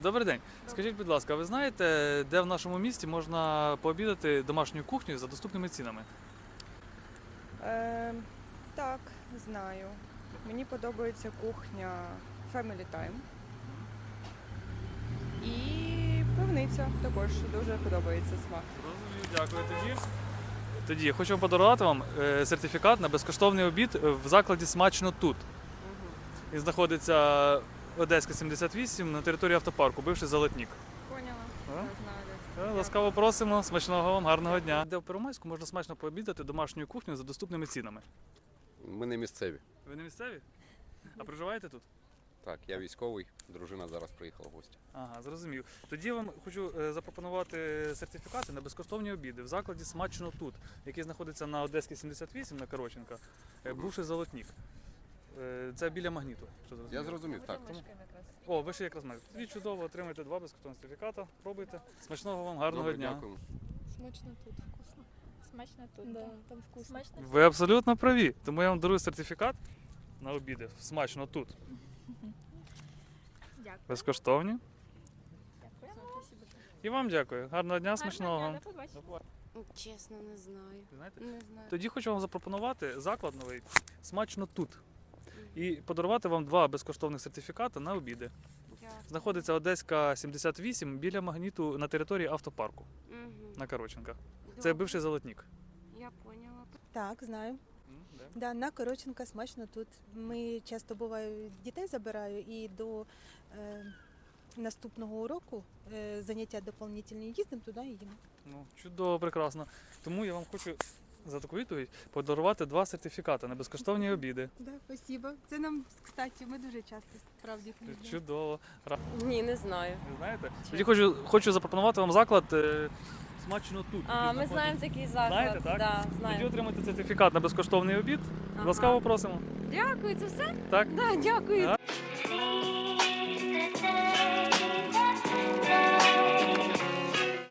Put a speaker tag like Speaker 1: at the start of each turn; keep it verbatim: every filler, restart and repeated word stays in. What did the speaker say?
Speaker 1: Добрий день. Скажіть, будь ласка, ви знаєте, де в нашому місті можна пообідати домашньою кухнею за доступними цінами?
Speaker 2: Е, так, знаю. Мені подобається кухня Family Time. І пивниця також дуже подобається смак.
Speaker 1: Розумію, дякую тоді. Тоді я хочу подарувати вам е, сертифікат на безкоштовний обід в закладі «Смачно тут». Він знаходиться Одеська, сімдесят вісім, на території автопарку, бивший Золотник.
Speaker 2: Поняла.
Speaker 1: А?
Speaker 2: Я знаю.
Speaker 1: Е, Ласкаво просимо, смачного вам, гарного дня. Де в Первомайську можна смачно пообідати домашньою кухнею за доступними цінами.
Speaker 3: Ми не місцеві.
Speaker 1: Ви не місцеві? А проживаєте тут?
Speaker 3: Так, я військовий, дружина зараз приїхала в гості.
Speaker 1: Ага, зрозумів. Тоді я вам хочу е, запропонувати сертифікати на безкоштовні обіди в закладі «Смачно тут», який знаходиться на Одеській, сімдесят вісім, на Короченка, е, бувший Золотник. Е, Це біля Магніту. Що зрозумів?
Speaker 3: Я зрозумів, так.
Speaker 1: О, ви ще якраз маєте. Тоді чудово, отримайте два безкоштовні сертифіката, пробуйте. Смачного вам, гарного
Speaker 3: Добре,
Speaker 1: дня.
Speaker 3: дякуємо.
Speaker 4: Смачно тут, вкусно.
Speaker 5: Смачно тут,
Speaker 4: Да,
Speaker 5: да.
Speaker 4: там вкусно.
Speaker 5: Смачно.
Speaker 1: Ви абсолютно праві. Тому я вам дарую сертифікат на обіди в «Смачно тут».
Speaker 5: Дякую.
Speaker 1: Безкоштовні.
Speaker 5: Дякую.
Speaker 1: І вам дякую. Гарного дня,
Speaker 5: Гарного
Speaker 1: смачного
Speaker 5: дня,
Speaker 1: вам.
Speaker 5: до побачення.
Speaker 6: Чесно, не знаю.
Speaker 1: Ви знаєте?
Speaker 6: Не знаю.
Speaker 1: Тоді хочу вам запропонувати заклад новий «Смачно тут» і подарувати вам два безкоштовних сертифікати на обіди.
Speaker 6: Дякую.
Speaker 1: Знаходиться Одеська, сімдесят вісім, біля Магніту на території автопарку
Speaker 6: Мгм.
Speaker 1: на Короченка. Це
Speaker 6: Добре.
Speaker 1: бивший Золотник.
Speaker 6: Я поняла.
Speaker 4: Так, знаю.
Speaker 1: М, де?
Speaker 4: Да, на Короченка смачно тут. Ми часто буваю, дітей забираю і до е, наступного уроку е, заняття доповнительні їздимо туди і їмо.
Speaker 1: Ну, чудово, прекрасно. Тому я вам хочу за таку відповідь подарувати два сертифікати на безкоштовні обіди.
Speaker 4: Да, спасибо. Це нам, кстати, ми дуже часто справді їздимо.
Speaker 1: Чудово. Ра-
Speaker 7: Ні, не знаю.
Speaker 1: Ви знаєте? Тоді хочу, хочу запропонувати вам заклад е, «Смачно тут».
Speaker 7: А,
Speaker 1: який
Speaker 7: ми
Speaker 1: знаходиться-
Speaker 7: знаємо такий заклад.
Speaker 1: Знаєте, так?
Speaker 7: Да,
Speaker 1: Тоді
Speaker 7: знаємо.
Speaker 1: отримайте сертифікат на безкоштовний обід.
Speaker 7: Ага.
Speaker 1: Ласкаво просимо.
Speaker 7: Дякую, це все?
Speaker 1: Так?
Speaker 7: Да, дякую.
Speaker 1: А?